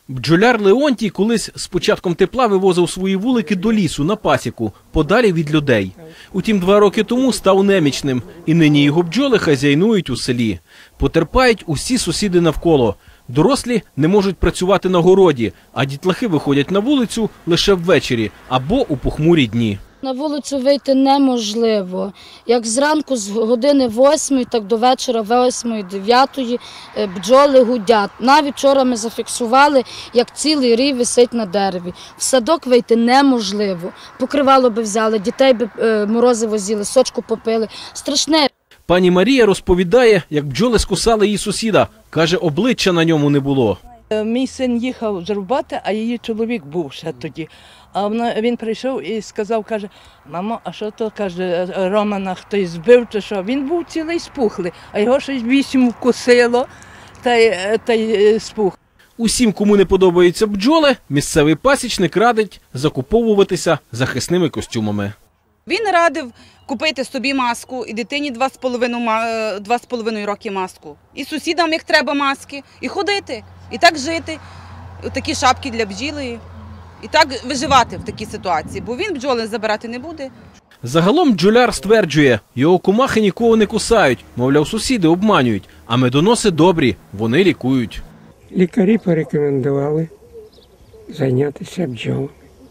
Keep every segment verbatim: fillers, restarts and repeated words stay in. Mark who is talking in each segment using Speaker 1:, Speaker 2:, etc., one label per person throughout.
Speaker 1: Бджоляр Леонтій колись з початком тепла вивозив свої вулики до лісу на пасіку, подалі від людей. Утім, два роки тому став немічним, і нині його бджоли хазяйнують у селі. Потерпають усі сусіди навколо. Дорослі не можуть працювати на городі, а дітлахи виходять на вулицю лише ввечері або у похмурі дні.
Speaker 2: На вулицю вийти неможливо. Як зранку з години восьмої, так до вечора восьмої, дев'ятої бджоли гудять. Навіть вчора ми зафіксували, як цілий рій висить на дереві. В садок вийти неможливо. Покривало би взяли, дітей би морозиво з'їли, сочку попили. Страшне.
Speaker 1: Пані Марія розповідає, як бджоли скусали її сусіда. Каже, обличчя на ньому не було.
Speaker 3: Мій син їхав з роботи, а її чоловік був ще тоді. А він прийшов і сказав, каже, мамо, а що то, каже, Романа хтось збив чи що? Він був цілий спухлий, а його щось вісім вкусило та й, та й спух.
Speaker 1: Усім, кому не подобаються бджоли, місцевий пасічник радить закуповуватися захисними костюмами.
Speaker 4: Він радив купити собі маску, і дитині два з половиною роки маску, і сусідам, як треба, маски, і ходити, і так жити, такі шапки для бджіли, і так виживати в такій ситуації, бо він бджоли забирати не буде.
Speaker 1: Загалом бджоляр стверджує, його комахи нікого не кусають, мовляв, сусіди обманюють, а медоноси добрі, вони лікують.
Speaker 5: Лікарі порекомендували зайнятися бджолами.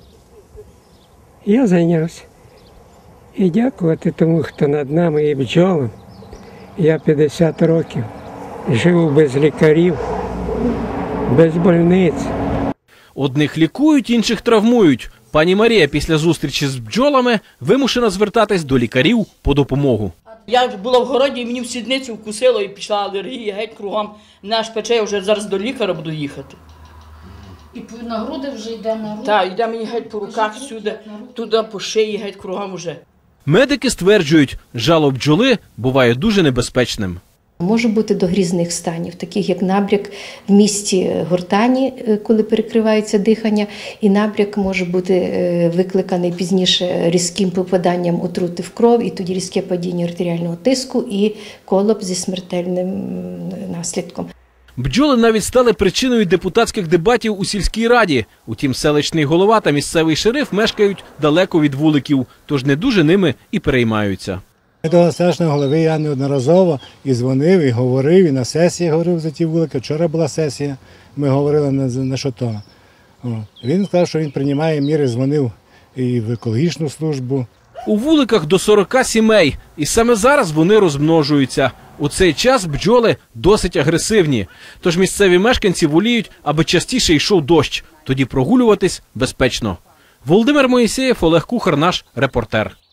Speaker 5: Я зайнявся. І дякувати тому, хто над нами і бджолам. Я п'ятдесят років живу без лікарів, без больниць.
Speaker 1: Одних лікують, інших травмують. Пані Марія після зустрічі з бджолами вимушена звертатись до лікарів по допомогу.
Speaker 6: Я була в городі, і мені в сідницю вкусило, і пішла алергія, геть кругом. Мене аж пече, я вже зараз до лікаря буду їхати.
Speaker 2: І на груди вже йде на руки?
Speaker 6: Так, йде мені геть по руках сюди, туди по шиї, геть кругом вже.
Speaker 1: Медики стверджують, жало бджоли буває дуже небезпечним.
Speaker 7: Може бути до грізних станів, таких як набряк в місці гортані, коли перекривається дихання, і набряк може бути викликаний пізніше різким попаданням отрути в кров, і тоді різке падіння артеріального тиску і колапс зі смертельним наслідком.
Speaker 1: Бджоли навіть стали причиною депутатських дебатів у сільській раді. Утім, селищний голова та місцевий шериф мешкають далеко від вуликів, тож не дуже ними і переймаються.
Speaker 8: До селищного голови я неодноразово і дзвонив, і говорив, і на сесії говорив за ті вулики. Вчора була сесія, ми говорили на, на що то. Він сказав, що він приймає міри, дзвонив і в екологічну службу.
Speaker 1: У вуликах до сорока сімей, і саме зараз вони розмножуються. У цей час бджоли досить агресивні, тож місцеві мешканці воліють, аби частіше йшов дощ, тоді прогулюватись безпечно. Володимир Моїсеєв, Олег Кухар, наш репортер.